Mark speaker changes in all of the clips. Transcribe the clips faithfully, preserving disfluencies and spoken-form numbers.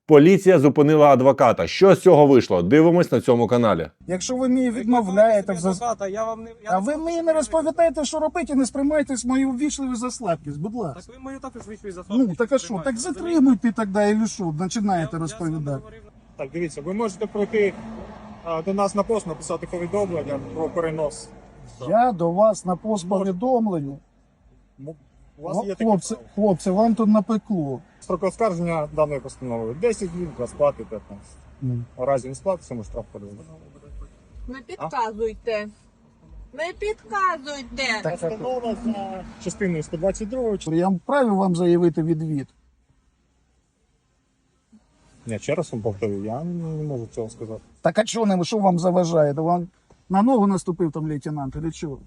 Speaker 1: Поліція зупинила адвоката. Що з цього вийшло? Дивимось на цьому каналі.
Speaker 2: Якщо ви мені відмовляєте в зас...
Speaker 3: адвоката, я вам не... Я
Speaker 2: А
Speaker 3: не
Speaker 2: ви
Speaker 3: знаю,
Speaker 2: мені
Speaker 3: що
Speaker 2: не
Speaker 3: ви
Speaker 2: розповідаєте, що робити, і не сприймайтесь мою ввічливу за слабкість, будь ласка.
Speaker 3: Так ви мою також вийшли за
Speaker 2: Ну, так а що, так затримуйте тоді, і що, починаєте розповідати.
Speaker 4: Так, дивіться, ви можете пройти а, до нас на пост, написати повідомлення про перенос.
Speaker 2: Я до вас на пост повідомлення.
Speaker 4: Ну, У вас
Speaker 2: О,
Speaker 4: є такі
Speaker 2: хлопці,
Speaker 4: права.
Speaker 2: хлопці, вам тут напекло.
Speaker 4: Строк оскарження даної постанови десять днів, для сплати п'ятнадцять.
Speaker 2: Ну.
Speaker 4: У разі не сплати, цьому штраф подивимо.
Speaker 5: Не підказуйте. Не підказуйте.
Speaker 2: Так, так.
Speaker 4: Постанова за частиною сто двадцять два.
Speaker 2: Я вправі вам заявити відвід.
Speaker 4: Ні, ще раз вам повторю, я не можу цього сказати.
Speaker 2: Так а що, не- що вам заважає? То вам на ногу наступив там лейтенант, или чого?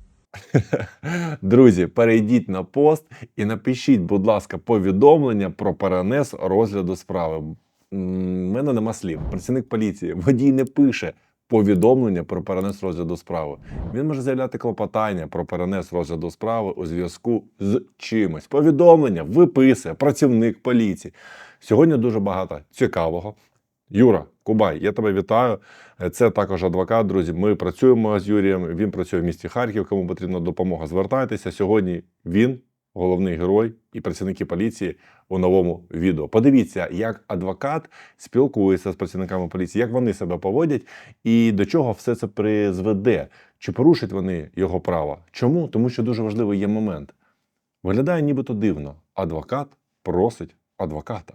Speaker 1: Друзі, перейдіть на пост і напишіть, будь ласка, повідомлення про перенес розгляду справи. М, в мене нема слів. Працівник поліції, водій не пише повідомлення про перенес розгляду справи. Він може заявляти клопотання про перенес розгляду справи у зв'язку з чимось. Повідомлення виписує працівник поліції. Сьогодні дуже багато цікавого. Юра Кубай, я тебе вітаю. Це також адвокат, друзі. Ми працюємо з Юрієм, він працює в місті Харків, кому потрібна допомога, звертайтеся. Сьогодні він головний герой і працівники поліції у новому відео. Подивіться, як адвокат спілкується з працівниками поліції, як вони себе поводять і до чого все це призведе. Чи порушать вони його право? Чому? Тому що дуже важливий є момент. Виглядає нібито дивно. Адвокат просить адвоката.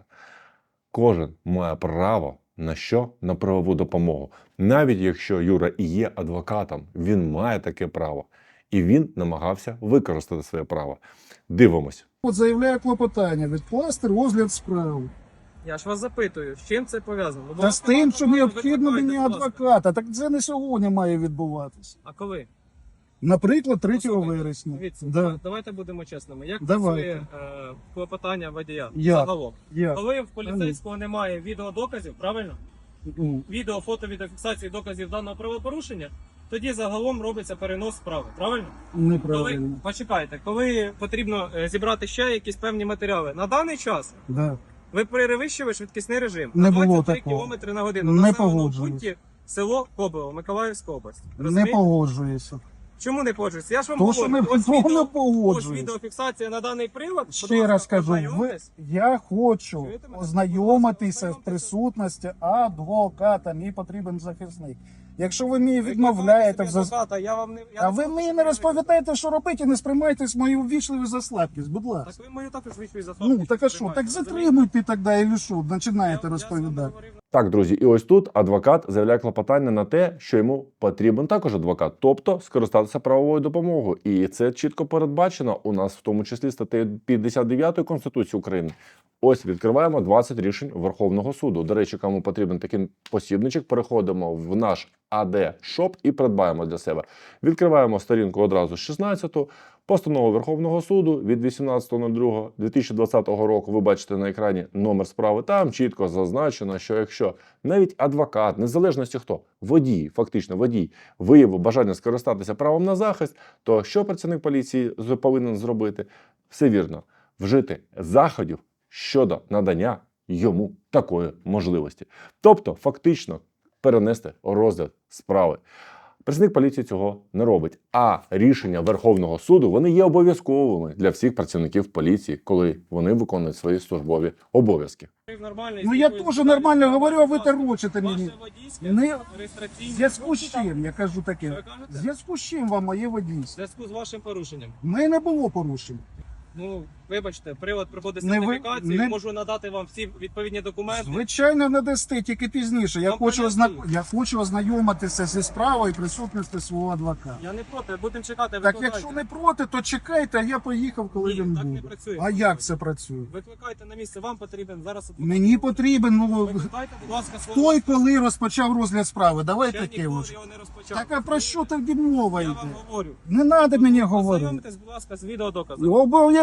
Speaker 1: Кожен має право на що? На правову допомогу. Навіть якщо Юра і є адвокатом, він має таке право. І він намагався використати своє право. Дивимось.
Speaker 2: От заявляю клопотання, відкласти розгляд справи.
Speaker 3: Я ж вас запитую, з чим це пов'язано? Ну, бо
Speaker 2: Та з тим, що
Speaker 3: ви
Speaker 2: необхідно
Speaker 3: викликаєте,
Speaker 2: мені
Speaker 3: будь ласка.
Speaker 2: адвоката. Так це не сьогодні має відбуватися.
Speaker 3: А коли?
Speaker 2: Наприклад, третього
Speaker 3: Послухайте,
Speaker 2: вересня.
Speaker 3: Дивіться,
Speaker 2: Да.
Speaker 3: давайте будемо чесними. Як
Speaker 2: Давайте.
Speaker 3: працює е, клопотання водія
Speaker 2: Як?
Speaker 3: загалом?
Speaker 2: Я.
Speaker 3: Коли в поліцейського немає відеодоказів, правильно?
Speaker 2: Ну,
Speaker 3: Відео, фото, відеофіксації доказів даного правопорушення, тоді загалом робиться перенос справи, правильно? Коли,
Speaker 2: неправильно.
Speaker 3: почекайте, коли потрібно е, зібрати ще якісь певні матеріали. На даний час
Speaker 2: Да.
Speaker 3: ви перевищили швидкісний режим.
Speaker 2: Не
Speaker 3: на
Speaker 2: було
Speaker 3: двадцять три
Speaker 2: такого.
Speaker 3: кілометри на годину.
Speaker 2: Не
Speaker 3: На населеному
Speaker 2: погоджуюсь.
Speaker 3: пункті село Кобило, Миколаївська область.
Speaker 2: Не
Speaker 3: Розумієте?
Speaker 2: погоджуюся.
Speaker 3: Чому не погоджуєтеся? Я ж вам
Speaker 2: То,
Speaker 3: говорю,
Speaker 2: що не,
Speaker 3: ось
Speaker 2: то не
Speaker 3: відео, ось
Speaker 2: погоджуюся.
Speaker 3: відеофіксація на даний прилад. Будь
Speaker 2: Ще
Speaker 3: ласка,
Speaker 2: раз кажу, ви,
Speaker 3: ознайомтесь.
Speaker 2: я хочу
Speaker 3: Чуєте мене?
Speaker 2: ознайомитися
Speaker 3: Будь
Speaker 2: в
Speaker 3: ласка,
Speaker 2: присутності адвоката. Мені потрібен захисник. Якщо ви мені
Speaker 3: Ви
Speaker 2: відмовляєте в
Speaker 3: викликаєте
Speaker 2: зас...
Speaker 3: собі адвоката, я вам не... я
Speaker 2: А
Speaker 3: не
Speaker 2: ви
Speaker 3: проти,
Speaker 2: мені
Speaker 3: щоб
Speaker 2: не
Speaker 3: ви
Speaker 2: розповідаєте, що робити, і не сприймайтесь мою ввічливу за слабкість, будь
Speaker 3: викликали.
Speaker 2: ласка.
Speaker 3: Так ви мою також вийшли за
Speaker 2: Ну, так а що, так затримуйте тоді, і що, починаєте розповідати.
Speaker 1: Так, друзі, і ось тут адвокат заявляє клопотання на те, що йому потрібен також адвокат, тобто скористатися правовою допомогою. І це чітко передбачено у нас, в тому числі статтею п'ятдесят дев'ятої Конституції України. Ось відкриваємо двадцять рішень Верховного суду. До речі, кому потрібен такий посібничок, переходимо в наш ей ді Shop і придбаємо для себе. Відкриваємо сторінку одразу з шістнадцяту. Постанова Верховного суду від вісімнадцятого другого дві тисячі двадцятого року. Ви бачите на екрані номер справи. Там чітко зазначено, що якщо навіть адвокат, незалежності хто, водій, фактично водій, виявив бажання скористатися правом на захист, то що працівник поліції повинен зробити? Все вірно. Вжити заходів щодо надання йому такої можливості. Тобто, фактично, перенести розгляд справи. Працівник поліції цього не робить. А рішення Верховного суду, вони є обов'язковими для всіх працівників поліції, коли вони виконують свої службові обов'язки.
Speaker 2: Ну я теж нормально говорю, а ви торочите мені. Не-
Speaker 3: Не...
Speaker 2: В зв'язку з чим, я кажу таке,
Speaker 3: Що ви
Speaker 2: в
Speaker 3: кажете?
Speaker 2: зв'язку з чим вам моє
Speaker 3: В
Speaker 2: водійство?
Speaker 3: зв'язку з вашим порушенням.
Speaker 2: В мене не було порушень.
Speaker 3: Ну, вибачте, привод проходить
Speaker 2: Не ви-
Speaker 3: сертифікацію,
Speaker 2: не-
Speaker 3: можу надати вам всі відповідні документи.
Speaker 2: Звичайно, надасте, тільки пізніше. Я
Speaker 3: Вам
Speaker 2: хочу,
Speaker 3: поясню.
Speaker 2: озна... я хочу ознайомитися зі справою і присутності свого адвоката.
Speaker 3: Я не проти, будемо чекати,
Speaker 2: Так
Speaker 3: викликайте.
Speaker 2: якщо не проти, то чекайте, а я поїхав, коли
Speaker 3: Ні,
Speaker 2: він
Speaker 3: так не
Speaker 2: буде.
Speaker 3: працює.
Speaker 2: А як це працює?
Speaker 3: Викликайте на місце, вам потрібен зараз... адвокат.
Speaker 2: Мені потрібен, ну,
Speaker 3: Викликайте, будь ласка, свого...
Speaker 2: той, коли розпочав розгляд справи. Давай
Speaker 3: Ще
Speaker 2: таке
Speaker 3: ніхто
Speaker 2: ось.
Speaker 3: його не розпочав.
Speaker 2: Так а про що тоді мова
Speaker 3: Я
Speaker 2: йде?
Speaker 3: вам говорю.
Speaker 2: Не треба мені говорити.
Speaker 3: Ознайомтесь, будь ласка, з відеодоказом.
Speaker 2: Обов'язково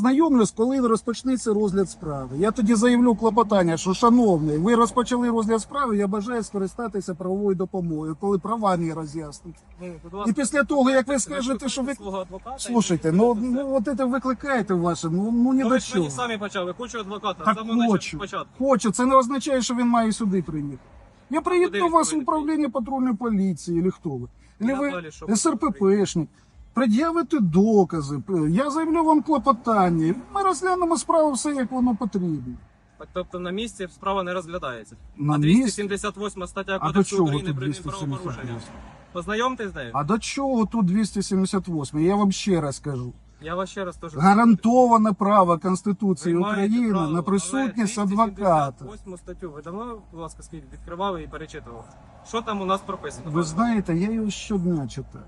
Speaker 2: ознайомлюсь, коли розпочнеться розгляд справи. Я тоді заявлю клопотання, що, шановний, ви розпочали розгляд справи, я бажаю скористатися правовою допомогою, коли права мені роз'яснить.
Speaker 3: Ви, будь
Speaker 2: І
Speaker 3: ласка,
Speaker 2: після того, як ви скажете, що ви...
Speaker 3: свого адвоката,
Speaker 2: Слушайте,
Speaker 3: і
Speaker 2: ну,
Speaker 3: все.
Speaker 2: ну от це викликаєте ваше, ну, ну ні
Speaker 3: Ну,
Speaker 2: до
Speaker 3: ви ж мені
Speaker 2: чого.
Speaker 3: самі почали, хочу адвоката,
Speaker 2: Так
Speaker 3: з самого начала-
Speaker 2: хочу.
Speaker 3: початку.
Speaker 2: Хочу, це не означає, що він має сюди приїхати. Я приїду
Speaker 3: куди
Speaker 2: до
Speaker 3: він
Speaker 2: вас в
Speaker 3: повинен
Speaker 2: управління патрульної поліції, чи хто ви?
Speaker 3: І
Speaker 2: Чи ви
Speaker 3: надалі, що
Speaker 2: ес ер пе пешник. Пред'явите докази, я заявлю вам клопотання. Ми розглянемо справу все, як воно потрібно.
Speaker 3: Так, тобто на місці справа не розглядається.
Speaker 2: На
Speaker 3: а
Speaker 2: місці?
Speaker 3: двісті сімдесят восьма стаття
Speaker 2: А до
Speaker 3: Кодексу
Speaker 2: чого
Speaker 3: України
Speaker 2: тут
Speaker 3: про
Speaker 2: двісті сімдесят
Speaker 3: правопорушення.
Speaker 2: восьма?
Speaker 3: Познайомтесь з нею.
Speaker 2: А до чого тут двісті сімдесят восьма? Я вам ще раз кажу.
Speaker 3: Я вас ще раз теж...
Speaker 2: Гарантоване право Конституції
Speaker 3: Ви маєте
Speaker 2: України
Speaker 3: право,
Speaker 2: на присутність
Speaker 3: але
Speaker 2: адвоката.
Speaker 3: двісті сімдесят восьму статтю ви давно, будь ласка, скільки відкривали і перечитували? Що там у нас прописано?
Speaker 2: Ви знаєте, я його щодня читаю.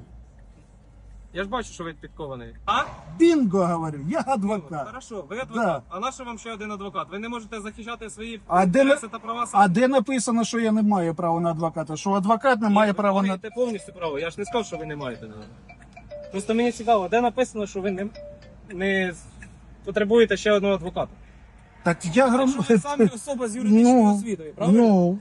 Speaker 3: Я ж бачу, що ви підкований. А?
Speaker 2: Бінго, говорю, я
Speaker 3: Ну,
Speaker 2: адвокат.
Speaker 3: Хорошо, ви адвокат.
Speaker 2: Да.
Speaker 3: А на що вам ще один адвокат? Ви не можете захищати свої
Speaker 2: А де
Speaker 3: інтереси та права
Speaker 2: А
Speaker 3: самі?
Speaker 2: де написано, що я не маю права на адвоката? Що адвокат не має
Speaker 3: ви
Speaker 2: права на...
Speaker 3: маєте повністю право. Я ж не сказав, що ви не маєте. Просто мені цікаво, де написано, що ви не, не потребуєте ще одного адвоката.
Speaker 2: Так я
Speaker 3: Якщо ви
Speaker 2: громадянин.
Speaker 3: самі особа з юридичною
Speaker 2: Ну,
Speaker 3: освітою, правильно?
Speaker 2: Ну,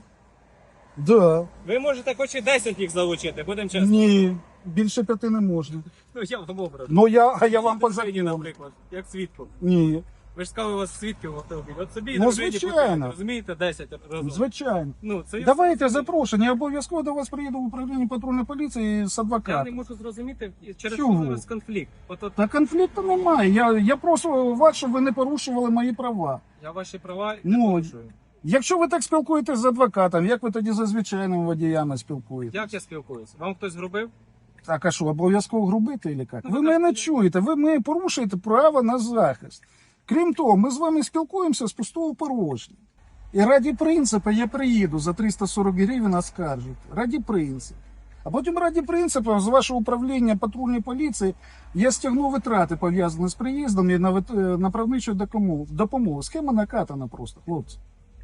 Speaker 2: да.
Speaker 3: Ви можете хоч і десять їх залучити, будемо чесно.
Speaker 2: Ні, більше п'яти не можна.
Speaker 3: Ну я вам образ.
Speaker 2: Ну я, а я вам по
Speaker 3: Дружині,
Speaker 2: закону.
Speaker 3: наприклад, як свідку.
Speaker 2: Ні,
Speaker 3: Ви ж сказали, у вас свідків в автомобілі. От собі і
Speaker 2: Ну,
Speaker 3: дружині
Speaker 2: звичайно.
Speaker 3: потрібно, розумієте, десять разом.
Speaker 2: звичайно.
Speaker 3: Ну, це я-
Speaker 2: Давайте запрошення, я обов'язково до вас приїду в управління патрульної поліції з
Speaker 3: Я не
Speaker 2: адвокатом.
Speaker 3: можу зрозуміти, через
Speaker 2: Чого?
Speaker 3: що зараз конфлікт. От, от
Speaker 2: Та конфлікту немає. Я, я прошу вас, щоб ви не порушували мої права.
Speaker 3: я ваші права
Speaker 2: Ну,
Speaker 3: не порушую.
Speaker 2: Якщо ви так спілкуєтесь з адвокатом, як ви тоді за звичайними водіями спілкуєтесь?
Speaker 3: Як я спілкуюся? Вам хтось грубив?
Speaker 2: Так, а що, обов'язково грубити, чи як?
Speaker 3: Ну,
Speaker 2: Ви
Speaker 3: ви
Speaker 2: мене
Speaker 3: так-
Speaker 2: не чуєте, ви мене порушуєте право на захист. Крім того, ми з вами спілкуємося з пустого порожня. І раді принципу я приїду за триста сорок гривень оскаржити. Раді принципу. А потім раді принципу з вашого управління патрульної поліції я стягну витрати, пов'язані з приїздом і на, вит- на правничу допомогу. допомогу. Схема накатана просто, хлопці.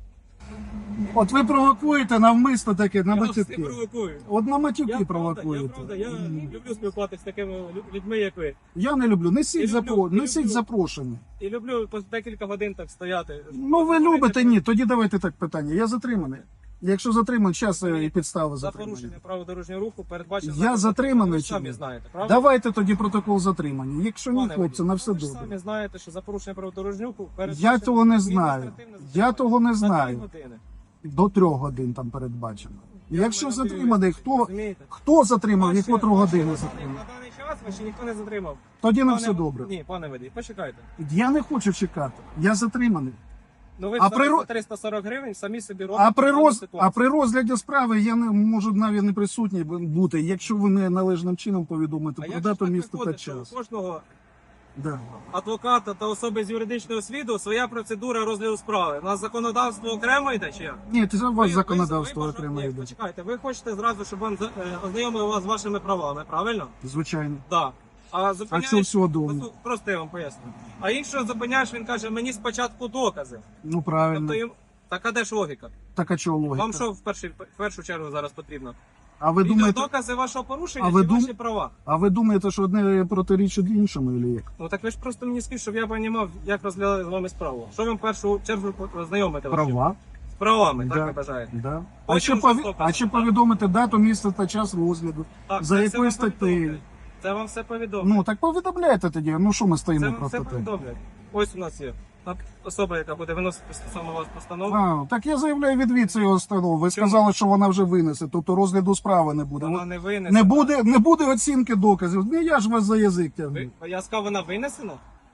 Speaker 2: От ви провокуєте навмисно таке на
Speaker 3: Я вас не
Speaker 2: матюки.
Speaker 3: провокую.
Speaker 2: От на матюки
Speaker 3: Я правда, я
Speaker 2: провокуєте.
Speaker 3: правда, я
Speaker 2: М.
Speaker 3: люблю спілкуватися з такими лю- людьми, як ви.
Speaker 2: Я не люблю. Несіть,
Speaker 3: Я
Speaker 2: запро...
Speaker 3: люблю, я
Speaker 2: Несіть
Speaker 3: люблю.
Speaker 2: запрошення.
Speaker 3: І люблю по декілька годин так стояти.
Speaker 2: Ну ви любите, ні. Тоді давайте так питання. Я затриманий. Якщо затриманий, час і підстави
Speaker 3: За
Speaker 2: затримання.
Speaker 3: порушення правил дорожнього руху передбачено.
Speaker 2: Я затриманий
Speaker 3: Ви
Speaker 2: чи
Speaker 3: самі
Speaker 2: ні?
Speaker 3: знаєте, правда?
Speaker 2: Давайте тоді протокол затримання. Якщо ні,
Speaker 3: Пане
Speaker 2: хлопці,
Speaker 3: водій,
Speaker 2: на все
Speaker 3: ви ж
Speaker 2: добре.
Speaker 3: самі знаєте, що за порушення правил дорожнього руху
Speaker 2: Я
Speaker 3: передбачено
Speaker 2: того не знаю.
Speaker 3: адміністративне
Speaker 2: Я
Speaker 3: затримання
Speaker 2: того не
Speaker 3: на три
Speaker 2: знаю.
Speaker 3: години.
Speaker 2: До трьох годин там передбачено.
Speaker 3: Я
Speaker 2: Якщо
Speaker 3: думаю, на
Speaker 2: затриманий,
Speaker 3: три,
Speaker 2: хто,
Speaker 3: розумієте?
Speaker 2: хто затримав і
Speaker 3: Ваші-
Speaker 2: котру
Speaker 3: ваші
Speaker 2: годину
Speaker 3: водії
Speaker 2: затримав?
Speaker 3: На даний час вас ще ніхто не затримав.
Speaker 2: Тоді на
Speaker 3: Пане-
Speaker 2: все добре.
Speaker 3: Ні, пане водій, почекайте.
Speaker 2: Я не хочу чекати. Я затриманий.
Speaker 3: Ну ви
Speaker 2: А
Speaker 3: а
Speaker 2: при ро-
Speaker 3: за триста сорок гривень самі собі робите.
Speaker 2: А при,
Speaker 3: дану
Speaker 2: роз...
Speaker 3: ситуацію.
Speaker 2: а при розгляді справи я не можу навіть не присутній бути, якщо ви не належним чином повідомите
Speaker 3: А
Speaker 2: про
Speaker 3: як
Speaker 2: дату,
Speaker 3: ж так
Speaker 2: місто та
Speaker 3: виходить, що
Speaker 2: час.
Speaker 3: у кожного
Speaker 2: Да.
Speaker 3: адвоката та особи з юридичного освіту своя процедура розгляду справи? У нас законодавство окремо йде чи як?
Speaker 2: Ні, це у
Speaker 3: Ви-
Speaker 2: вас
Speaker 3: ви-
Speaker 2: законодавство
Speaker 3: ви,
Speaker 2: окремо
Speaker 3: ні,
Speaker 2: йде.
Speaker 3: Почекайте, ви хочете зразу, щоб вам за- е, ознайомили вас з вашими правами, правильно?
Speaker 2: Звичайно.
Speaker 3: Так. А
Speaker 2: А
Speaker 3: зупиняєш...
Speaker 2: що всього дома?
Speaker 3: Послу- Просто я вам поясню. А іншого зупиняєш, він каже, мені спочатку докази.
Speaker 2: Ну правильно.
Speaker 3: Тобто їм... Так а де ж логіка?
Speaker 2: Так а чого логіка?
Speaker 3: Вам що в першу, в першу чергу зараз потрібно?
Speaker 2: А ви думаєте,
Speaker 3: Докази вашого порушення
Speaker 2: А ви
Speaker 3: чи
Speaker 2: дум-
Speaker 3: ваші права?
Speaker 2: а ви думаєте, що одне протирічить іншому, чи як?
Speaker 3: Ну так ви ж просто мені скажіть, щоб я розумів, як розглядали з вами справу. Що вам в першу чергу знайомити?
Speaker 2: Права?
Speaker 3: З правами,
Speaker 2: Да.
Speaker 3: так ви бажаєте?
Speaker 2: Да. А
Speaker 3: Потім
Speaker 2: чи,
Speaker 3: вже
Speaker 2: пові...
Speaker 3: докази,
Speaker 2: а чи
Speaker 3: так?
Speaker 2: повідомити дату, місце та час розгляду?
Speaker 3: Так,
Speaker 2: За
Speaker 3: це
Speaker 2: якою
Speaker 3: все вам
Speaker 2: статтею?
Speaker 3: повідомлять. Це вам все повідомлять.
Speaker 2: Ну так повідомляйте тоді. Ну що ми
Speaker 3: Це
Speaker 2: стоїмо
Speaker 3: вам все
Speaker 2: просто так?
Speaker 3: повідомлять. Ось у нас є так, особа, яка буде виносити стосовно вас постанову.
Speaker 2: А, так я заявляю відвід цієї установи. Ви
Speaker 3: Чому?
Speaker 2: сказали, що вона вже винесе, тобто розгляду справи не буде.
Speaker 3: Вона не винесена.
Speaker 2: Не буде, не буде оцінки доказів. Не я ж вас за язик тягну.
Speaker 3: Ви, я сказав, вона винесена?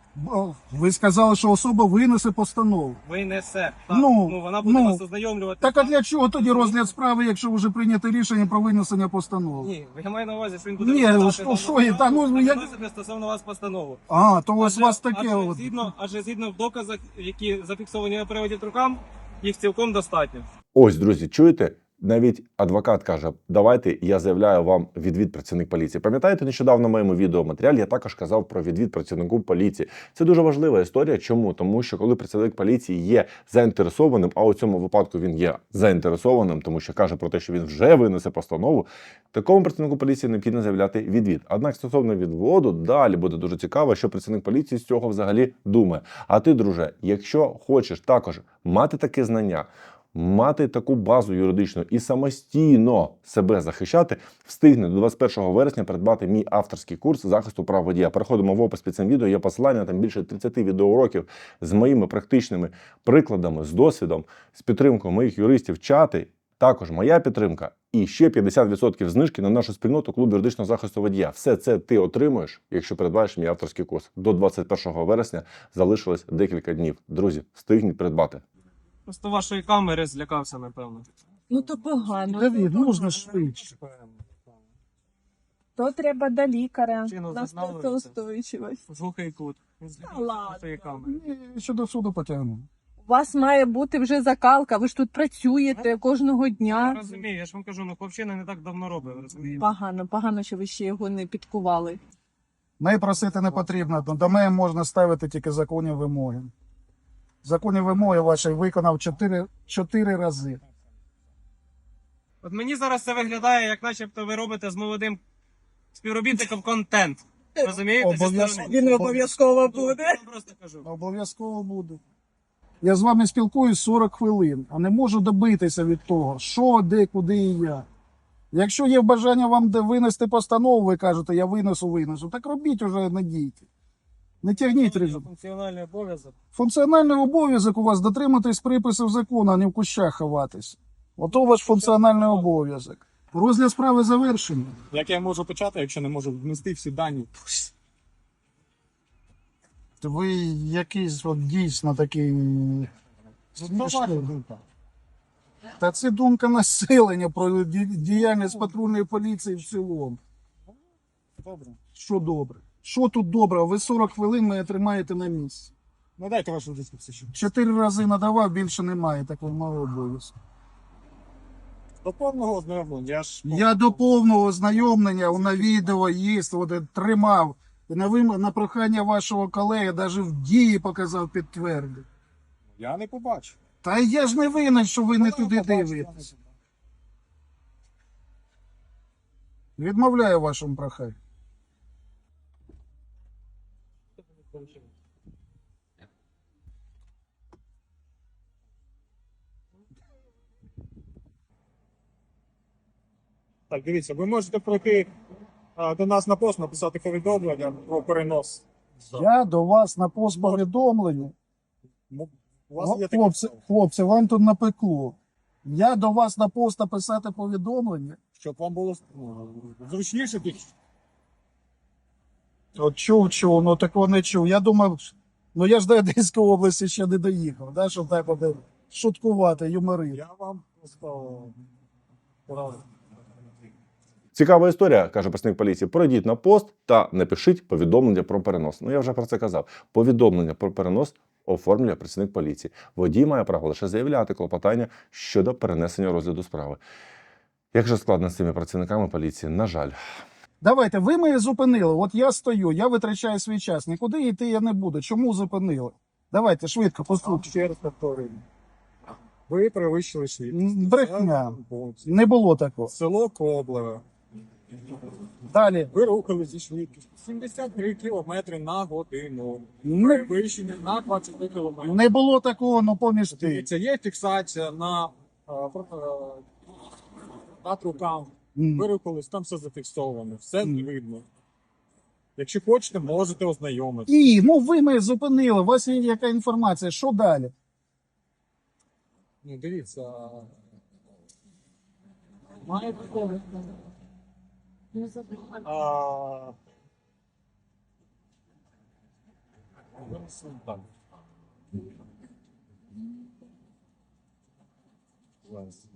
Speaker 2: Бо Ви сказали, що особа винесе постанову.
Speaker 3: Винесе. Так.
Speaker 2: Ну,
Speaker 3: Ну, вона буде
Speaker 2: ну.
Speaker 3: вас ознайомлювати.
Speaker 2: Так а для чого тоді розгляд справи, якщо вже прийнято рішення про винесення постанови?
Speaker 3: Ні, я маю на увазі, що він буде
Speaker 2: Ні,
Speaker 3: розглядати
Speaker 2: що-
Speaker 3: дану
Speaker 2: що є, та, ну,
Speaker 3: справу,
Speaker 2: як-
Speaker 3: виносити стосовно вас постанову.
Speaker 2: А, то ось у вас
Speaker 3: Адже-
Speaker 2: таке.
Speaker 3: адже
Speaker 2: От.
Speaker 3: згідно, адже згідно в доказах, які зафіксовані на приводі рукам, їх цілком достатньо.
Speaker 1: Ось, друзі, чуєте? Навіть адвокат каже, давайте я заявляю вам відвід працівник поліції. Пам'ятаєте, нещодавно в моєму відеоматеріалі я також казав про відвід працівнику поліції. Це дуже важлива історія. Чому? Тому що коли працівник поліції є заінтересованим, а у цьому випадку він є заінтересованим, тому що каже про те, що він вже винесе постанову, такому працівнику поліції необхідно заявляти відвід. Однак стосовно відводу, далі буде дуже цікаво, що працівник поліції з цього взагалі думає. А ти, друже, якщо хочеш також мати таке знання, мати таку базу юридичну і самостійно себе захищати, встигне до двадцять першого вересня придбати мій авторський курс захисту прав водія. Переходимо в опис під цим відео, є посилання, там більше тридцять відеоуроків з моїми практичними прикладами, з досвідом, з підтримкою моїх юристів, чати, також моя підтримка і ще п'ятдесят відсотків знижки на нашу спільноту клуб юридичного захисту водія. Все це ти отримуєш, якщо придбаєш мій авторський курс. До двадцять першого вересня залишилось декілька днів. Друзі, встигніть придбати.
Speaker 3: Просто вашої камери злякався, напевно.
Speaker 5: Ну то погано.
Speaker 2: Давід, можна швидше.
Speaker 5: То треба до лікаря.
Speaker 3: Чину
Speaker 5: На
Speaker 3: зазнали
Speaker 5: стресоустойчивість.
Speaker 3: Глухий кут. Він
Speaker 5: Та
Speaker 3: злякався
Speaker 5: ладно.
Speaker 3: своєї камери.
Speaker 2: І ще до суду потягну.
Speaker 5: У вас має бути вже закалка, ви ж тут працюєте кожного
Speaker 3: Я
Speaker 5: дня.
Speaker 3: розумію, я ж вам кажу, ну хлопчина не так давно робив, розумієте?
Speaker 5: Погано, погано, що ви ще його не підкували.
Speaker 2: Неї просити не потрібно. До мене можна ставити тільки законні вимоги. Законні вимоги ваші виконав чотири, чотири рази.
Speaker 3: От мені зараз це виглядає, як начебто ви робите з молодим співробітником контент. Розумієте? Зі
Speaker 2: Обов'язково.
Speaker 3: сторони.
Speaker 5: Він обов'язково буде.
Speaker 3: Я вам просто кажу.
Speaker 2: Обов'язково буду. Я з вами спілкуюсь сорок хвилин, а не можу добитися від того, що, де, куди і як. Якщо є бажання вам де винести постанову, ви кажете, я винесу, винесу, так робіть уже, не дійте. Не тягніть результат.
Speaker 3: Функціональний обов'язок.
Speaker 2: Функціональний обов'язок у вас дотриматись приписів закону, а не в кущах ховатися. Ото ваш функціональний обов'язок. Розгляд справи завершений.
Speaker 4: Як я можу почати, якщо не можу внести всі дані?
Speaker 2: То ви якийсь от дійсно такий. Та це думка населення про ді- діяльність патрульної поліції в цілому.
Speaker 4: Добре.
Speaker 2: Що добре? Що тут добре? Ви сорок хвилин мене тримаєте на місці.
Speaker 4: Ну дайте вашу дискусію.
Speaker 2: Чотири рази надавав, більше немає такого мого обов'язку.
Speaker 4: До повного ознайомлення. Я ж
Speaker 2: Я до повного ознайомлення на відео є, от я тримав. І на, вим... на прохання вашого колеги навіть в дії показав, підтвердив.
Speaker 4: я не побачу.
Speaker 2: Та я ж не винен, що ви не туди дивитесь. Відмовляю вашому проханню.
Speaker 4: Так, дивіться, ви можете пройти а, до нас на пост, написати повідомлення про перенос.
Speaker 2: Я до вас на пост повідомлення.
Speaker 4: М- У вас є таке
Speaker 2: Хлопці,
Speaker 4: право,
Speaker 2: хлопці, вам тут напекло. Я до вас на пост написати повідомлення.
Speaker 4: щоб вам було ну, зручніше під
Speaker 2: От чув, чув, ну такого не чув. Я думав, ну я ж до Одеської області ще не доїхав, да, щоб так от шуткувати, юморити.
Speaker 4: я вам просто порадив.
Speaker 1: Цікава історія, каже працівник поліції. Пройдіть на пост та напишіть повідомлення про перенос. Ну, я вже про це казав. Повідомлення про перенос оформлює працівник поліції. Водій має право лише заявляти клопотання щодо перенесення розгляду справи. Як же складно з цими працівниками поліції? На жаль.
Speaker 2: Давайте, ви мене зупинили. От я стою, я витрачаю свій час. Нікуди йти я не буду. Чому зупинили? Давайте швидко,
Speaker 4: Вам
Speaker 2: послухайте.
Speaker 4: ще раз повторюю. Ви перевищили швидкість.
Speaker 2: М, брехня.
Speaker 4: Це
Speaker 2: Не було такого.
Speaker 4: Село Коблеве.
Speaker 2: Далі.
Speaker 4: Ви рухали зі швидкістю сімдесят три кілометри на годину.
Speaker 2: Не,
Speaker 4: Перевищення на двадцять три кілометри.
Speaker 2: не було такого, ну поміж ти.
Speaker 4: Дивіться, є фіксація на, а, фото- а, над руками.
Speaker 2: М.
Speaker 4: Ви рухались, там все зафіксовано, все видно. Якщо хочете, можете ознайомитися.
Speaker 2: І, ну ви мене зупинили, у вас є яка інформація, що далі?
Speaker 4: Ну, дивіться. Маєте а... Так. Зараз.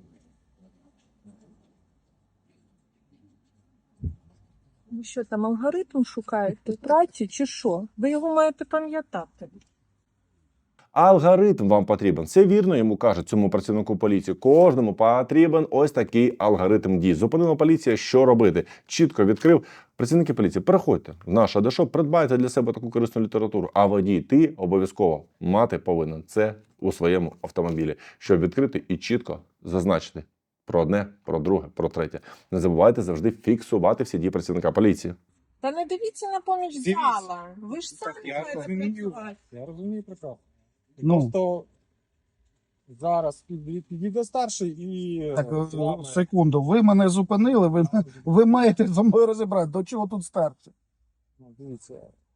Speaker 5: Ви що там алгоритм шукаєте праці чи що? Ви його маєте пам'ятати.
Speaker 1: Алгоритм вам потрібен. Це вірно йому кажуть, цьому працівнику поліції. Кожному потрібен ось такий алгоритм дій. Зупинила поліція, що робити? Чітко відкрив. Працівники поліції, переходьте в наш Адешоп, придбайте для себе таку корисну літературу. А водій, ти обов'язково мати повинен це у своєму автомобілі, щоб відкрити і чітко зазначити про одне, про друге, про третє. Не забувайте завжди фіксувати всі дії працівника поліції.
Speaker 6: Та не дивіться на поміч
Speaker 4: Дивіться.
Speaker 6: зала. Ви ж
Speaker 4: Так,
Speaker 6: самі
Speaker 4: я
Speaker 6: маєте
Speaker 4: розумію.
Speaker 6: працювати.
Speaker 4: Я розумію прекрасно.
Speaker 2: Ну.
Speaker 4: Просто зараз під- підійде старший і...
Speaker 2: Так,
Speaker 4: з вами-
Speaker 2: секунду, ви мене зупинили, ви, ви маєте зі мною розібрати. До чого тут старше?
Speaker 4: Ну, дивіться.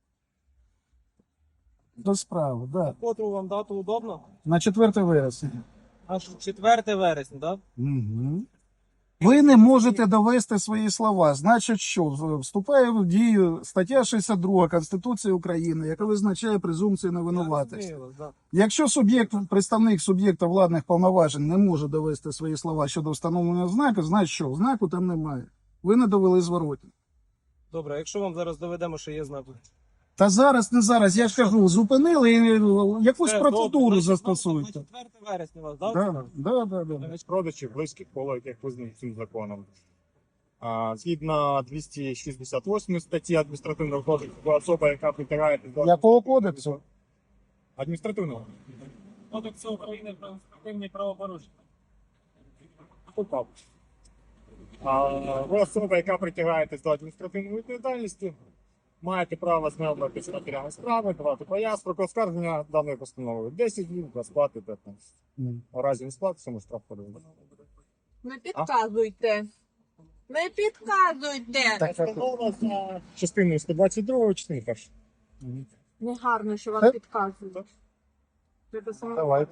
Speaker 2: До справи, да.
Speaker 3: Котру вам дату удобно?
Speaker 2: На четверте вересня.
Speaker 3: Аж четверте вересня, так?
Speaker 2: Угу. Ви не можете довести свої слова. Значить, що вступає в дію стаття шістдесят два Конституції України, яка визначає презумпцію невинуватості. Якщо суб'єкт, представник суб'єкта владних повноважень не може довести свої слова щодо встановлення знаку, значить що? Знаку там немає. Ви не довели зворотні.
Speaker 3: Добре, якщо вам зараз доведемо, що є знак.
Speaker 2: Та зараз, не зараз, я ж кажу, зупинили і якусь
Speaker 3: Все,
Speaker 2: процедуру
Speaker 3: добре,
Speaker 2: застосуйте.
Speaker 3: значить, на четверте вересня вас, так?
Speaker 2: Да, да, да, да.
Speaker 4: Навіть родичів, близьких коло, яких визнають цим законом. А, згідно двісті шістдесят восьмої статті адміністративного кодексу, особа, яка притягає до
Speaker 2: Якого кодексу?
Speaker 4: адміністративного.
Speaker 3: Кодексу України про адміністративні правопорушення.
Speaker 4: Попав. А, ви особа, яка притягаєтесь до адміністративної відповідальності, маєте право знайомитися з матеріалами справи, давати пояснення про оскарження даної постанови. десять днів для сплати п'ятнадцять. У разі не сплати, цьому штраф подивимо.
Speaker 6: Не підказуйте. Не підказуйте.
Speaker 2: Так, так.
Speaker 4: Постанова за частиною сто двадцять два, частини першої.
Speaker 6: Негарно, що
Speaker 2: Е?
Speaker 6: вам підказують. Треба саме-
Speaker 2: Давай.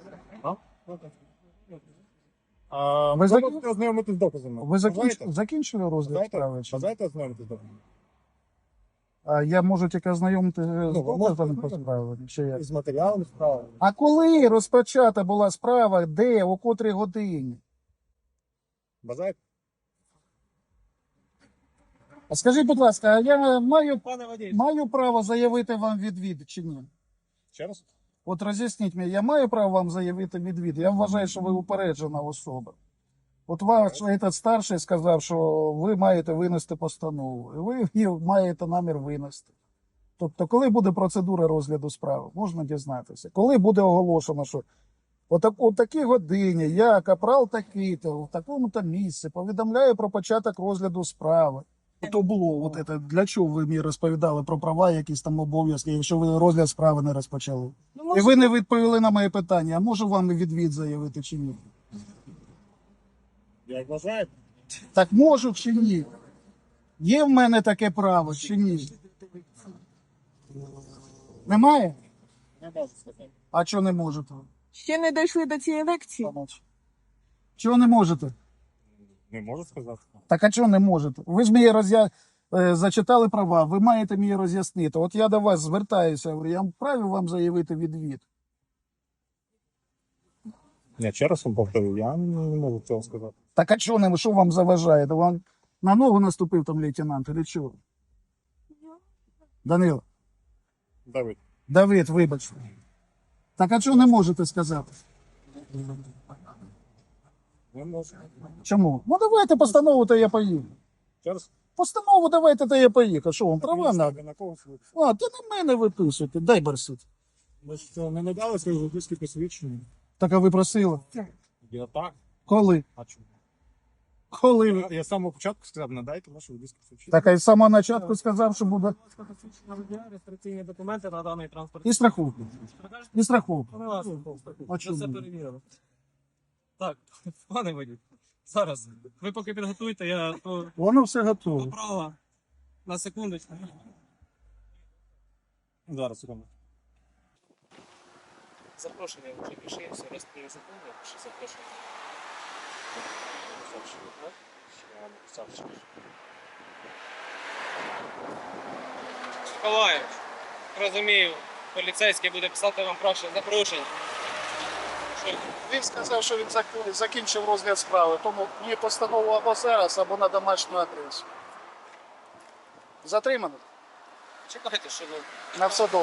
Speaker 4: А,
Speaker 2: Ви
Speaker 4: ви
Speaker 2: закін-
Speaker 4: можете ознайомитись з доказами.
Speaker 2: Ви закінч...
Speaker 4: Бажаєте?
Speaker 2: закінчили розгляд
Speaker 4: Бажаєте?
Speaker 2: справи? чи ні?
Speaker 4: Бажаєте ознайомитись з доказами?
Speaker 2: А я можу тільки ознайомити з
Speaker 4: ви можете
Speaker 2: доказами по
Speaker 4: ознайомитись.
Speaker 2: справі? Чи як?
Speaker 4: З матеріалами справи.
Speaker 2: А коли розпочата була справа, де, о котрій годині?
Speaker 4: Бажаєте?
Speaker 2: А скажіть, будь ласка, а я маю,
Speaker 3: Пане водій,
Speaker 2: маю право заявити вам відвід чи ні?
Speaker 4: Ще раз?
Speaker 2: От роз'ясніть мені, я маю право вам заявити відвід? Я вважаю, що ви упереджена особа. От ваш этот старший сказав, що ви маєте винести постанову, і ви її маєте намір винести. Тобто, коли буде процедура розгляду справи, можна дізнатися. Коли буде оголошено, що отак, о такій годині я, капрал такий-то, в такому-то місці, повідомляю про початок розгляду справи. То було, от це, для чого ви мені розповідали про права, якісь там обов'язки, якщо ви розгляд справи не розпочали?
Speaker 6: Ну,
Speaker 2: І
Speaker 6: може,
Speaker 2: ви не відповіли на моє питання, а можу вам і відвід заявити чи ні?
Speaker 4: Як бажаєте?
Speaker 2: Так можу чи ні? Є в мене таке право чи ні? Немає?
Speaker 4: Не можу сказати.
Speaker 2: А чого не можете?
Speaker 6: ще не дійшли до цієї лекції.
Speaker 2: Чого не можете?
Speaker 4: Не можу сказати.
Speaker 2: Так а чого не можете? Ви ж мені роз'я... е, зачитали права, ви маєте мені роз'яснити. От я до вас звертаюся, говорю, я вправі вам заявити відвід.
Speaker 4: Я ще раз вам повторю, я не можу цього сказати.
Speaker 2: Так а чого не, що вам заважає? То вам на ногу наступив там лейтенант, или чого? Данило,
Speaker 4: Давид.
Speaker 2: Давид, вибачте. Так а чого не можете сказати?
Speaker 4: Не можу.
Speaker 2: Чому? Ну давайте постанову, то я поїду.
Speaker 4: Ще раз.
Speaker 2: Постанову давайте, то я поїхав. Що вам права надо?
Speaker 4: Ви на когось ви-
Speaker 2: А, ти на мене виписуйте, дай барсить.
Speaker 4: Ви що, не надали свої водійські посвідчення?
Speaker 2: Так а ви просили?
Speaker 4: Я так.
Speaker 2: Коли?
Speaker 4: А чому?
Speaker 2: Коли?
Speaker 4: Я, я з самого початку сказав, надайте ваші водійські посвідчення.
Speaker 2: Так а й з самого початку сказав, що буде
Speaker 3: реєстраційні документи на даний транспорт.
Speaker 2: і страховку. І страховку.
Speaker 3: Ми вас
Speaker 2: А
Speaker 3: ми
Speaker 2: чому?
Speaker 3: все перевірили. Так, пане водій, зараз. Ви поки підготуйте, я то
Speaker 2: Воно все готово.
Speaker 3: права на секундочку.
Speaker 4: Зараз, секунду.
Speaker 3: Запрошення вже пиши, все розповім секунду, пиши запрошення. Миколаївич, розумію, поліцейський буде писати вам краще запрошення. Що?
Speaker 2: Він сказав, що він зак- закінчив розгляд справи, тому мені постанову або зараз, або на домашню адресу. Затримано.
Speaker 3: Чекайте, що ви.
Speaker 2: На все добре.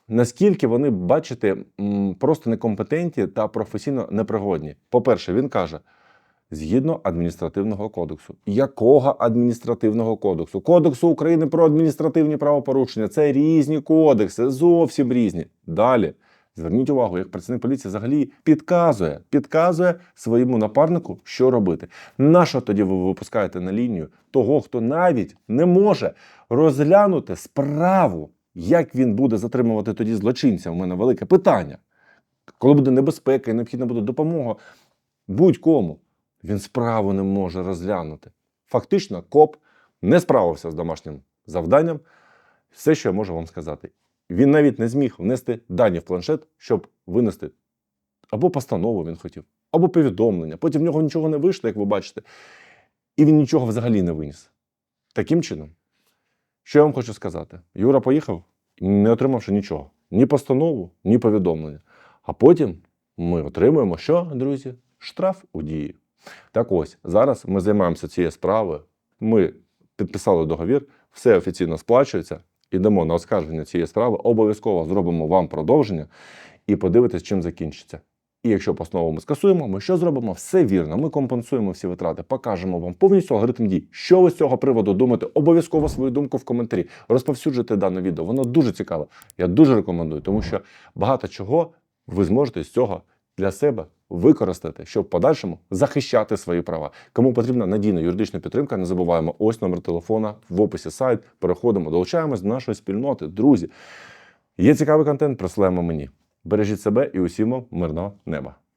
Speaker 1: наскільки вони, бачите, м, просто некомпетентні та професійно непригодні. По-перше, він каже, згідно адміністративного кодексу. Якого адміністративного кодексу? Кодексу України про адміністративні правопорушення. Це різні кодекси, зовсім різні. Далі. Зверніть увагу, як працівник поліції взагалі підказує, підказує своєму напарнику, що робити. Нащо тоді ви випускаєте на лінію того, хто навіть не може розглянути справу, як він буде затримувати тоді злочинця? У мене велике питання. Коли буде небезпека і необхідна буде допомога будь-кому, він справу не може розглянути. Фактично, коп не справився з домашнім завданням. Все, що я можу вам сказати. Він навіть не зміг внести дані в планшет, щоб винести або постанову він хотів, або повідомлення. Потім в нього нічого не вийшло, як ви бачите. І він нічого взагалі не виніс. Таким чином, що я вам хочу сказати? Юра поїхав, не отримавши нічого. Ні постанову, ні повідомлення. А потім ми отримуємо що, друзі? Штраф у дії. Так ось, зараз ми займаємося цією справою. Ми підписали договір, все офіційно сплачується. Ідемо на оскарження цієї справи, обов'язково зробимо вам продовження і подивитесь, чим закінчиться. І якщо постанову ми скасуємо, ми що зробимо? Все вірно, ми компенсуємо всі витрати, покажемо вам повністю алгоритм дій. Що ви з цього приводу думаєте? Обов'язково свою думку в коментарі. Розповсюджуйте дане відео, воно дуже цікаве. Я дуже рекомендую, тому що багато чого ви зможете з цього для себе використати, щоб в подальшому захищати свої права. Кому потрібна надійна юридична підтримка, не забуваємо, ось номер телефона, в описі сайт, переходимо, долучаємось до нашої спільноти. Друзі, є цікавий контент, присилаємо мені. Бережіть себе і усім вам мирного неба.